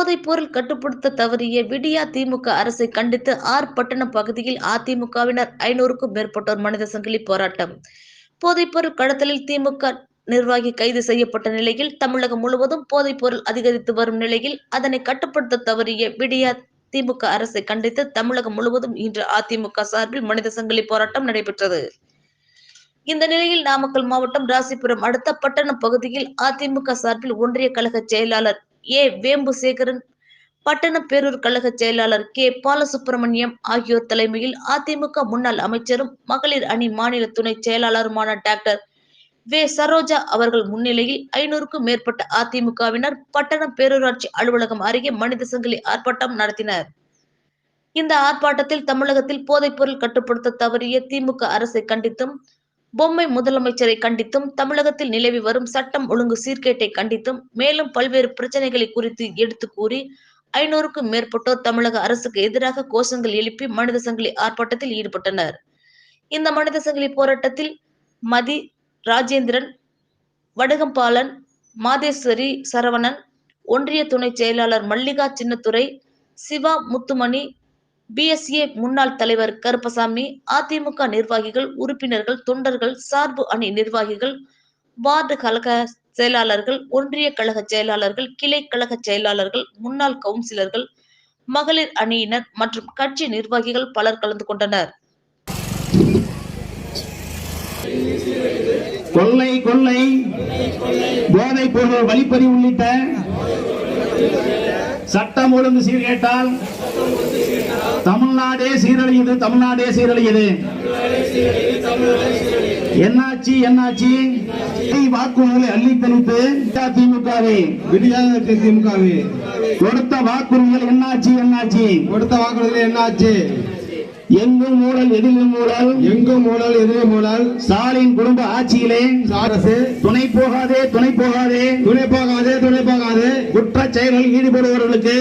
போதைப் பொருள் கட்டுப்படுத்த தவறிய விடியா திமுக அரசை கண்டித்து பட்டணம் பகுதியில் அதிமுகவினர் 500க்கும் மேற்பட்டோர் மனித சங்கிலி போராட்டம். போதைப்பொருள் கடத்தலில் திமுக நிர்வாகி கைது செய்யப்பட்ட நிலையில் தமிழகம் முழுவதும் போதைப் பொருள் அதிகரித்து வரும் நிலையில் அதனை கட்டுப்படுத்த தவறிய விடியா திமுக அரசை கண்டித்து தமிழகம் முழுவதும் இன்று அதிமுக சார்பில் மனித சங்கிலி போராட்டம் நடைபெற்றது. இந்த நிலையில் நாமக்கல் மாவட்டம் ராசிபுரம் அடுத்த பட்டணம் பகுதியில் அதிமுக சார்பில் ஒன்றிய கழக செயலாளர் வேம்புசேகரன், பட்டண பேரூர் கழக செயலாளர் பாலசுப்பிரமணியம் ஆகியோர் தலைமையில் அதிமுக முன்னாள் அமைச்சரும் மகளிர் அணி மாநில துணை செயலாளருமான டாக்டர் சரோஜா அவர்கள் முன்னிலையில் 500க்கும் மேற்பட்ட அதிமுகவினர் பட்டணம் பேரூராட்சி அலுவலகம் அருகே மனித சங்கிலி ஆர்ப்பாட்டம் நடத்தினர். இந்த ஆர்ப்பாட்டத்தில் தமிழகத்தில் போதைப் பொருள் கட்டுப்படுத்த தவறிய திமுக அரசை கண்டித்தும், பொம்மை முதலமைச்சரை கண்டித்தும், தமிழகத்தில் நிலவி வரும் சட்டம் ஒழுங்கு சீர்கேட்டை கண்டித்தும், மேலும் பல்வேறு பிரச்சனைகளை குறித்து எடுத்து கூறி 500க்கும் மேற்பட்டோர் தமிழக அரசுக்கு எதிராக கோஷங்கள் எழுப்பி மனித சங்கிலி ஆர்ப்பாட்டத்தில் ஈடுபட்டனர். இந்த மனித சங்கிலி போராட்டத்தில் மதி, ராஜேந்திரன், வடுகம்பாலன், மாதேஸ்வரி, சரவணன், ஒன்றிய துணை செயலாளர் மல்லிகா சின்னத்துரை, சிவா முத்துமணி, BSA முன்னாள் தலைவர் கருப்பசாமி, அதிமுக நிர்வாகிகள், உறுப்பினர்கள், தொண்டர்கள், சார்பு அணி நிர்வாகிகள், வார்டு கழக செயலாளர்கள், ஒன்றிய கழக செயலாளர்கள், கிளை கழக செயலாளர்கள், முன்னாள் கவுன்சிலர்கள், மகளிர் அணியினர் மற்றும் கட்சி நிர்வாகிகள் பலர் கலந்து கொண்டனர். கொள்ளை கொள்ளை போதைப் பொருள் வழிப்பறி உள்ளிட்ட சட்டம் ஒழுங்கு சீர்கேட்டால் தமிழ்நாடே சீரழியுது, தமிழ்நாடே சீரழியுது. என்னாச்சு என்னாச்சு? வாக்குறுதிகளை அள்ளி தெளித்து திமுகவே கொடுத்த வாக்குறுதிகள் என்னாச்சு என்னாச்சு? கொடுத்த வாக்குறுதிகள் என்னாச்சு? எங்கும் ஊழல் எதிலும் ஊழல், எங்கும் ஊழல் எதிலும் ஊழல். ஸ்டாலின் குடும்ப ஆட்சியிலே அரசு துணை போகாதே துணை போகாதே துணை போகாதே துணை போகாதே. குற்ற செயல்களில் ஈடுபடுபவர்களுக்கு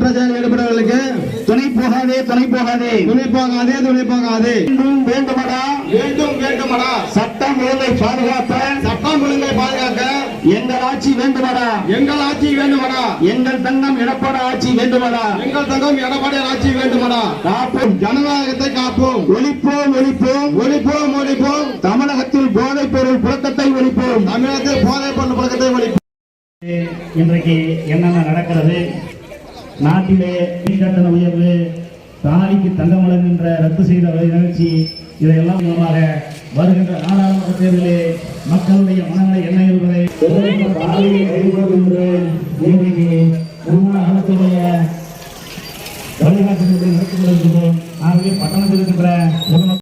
துணை போகாதே துணை போகாதே துணை போகாதே துணை போகாதே. வேண்டுமடா வேண்டும் வேண்டுமடா. சட்டம் ஒழுங்கை பாதுகாக்க சட்டம் ஒழுங்கை பாதுகாக்க எங்கள் ஆட்சி வேண்டுமடா. எங்கள் ஆட்சி வேண்டுமடா. எங்கள் தங்கம் எடப்பாடி ஆட்சி வேண்டுமடா. எங்கள் தங்கம் எடப்பாடி ஆட்சி வேண்டுமடா. காப்போம் ஜனநாயகத்தை காப்போம். ஒழிப்போம் ஒழிப்போம் ஒழிப்போம் ஒழிப்போம். தமிழகத்தில் போதைப் பொருள் புழக்கத்தை ஒழிப்போம். தமிழகத்தில் போதைப் பொருள் புழக்கத்தை ஒழிப்போம். இன்றைக்கு என்னென்ன நடக்கிறது? நாட்டிலே மின்கட்டண உயர்வு, தாலிக்கு தங்கம் வழங்குகின்ற ரத்து செய்த நிகழ்ச்சி, இதையெல்லாம் மூலமாக வருகின்ற நாடாளுமன்ற தேர்தலிலே மக்களுடைய மனங்களை என்ன என்பதை முன்னாள் அரசுடைய வழிகாட்டுதலை நடத்தி கொண்டிருக்கிறோம். ஆகவே பட்டணத்தில் இருக்கின்ற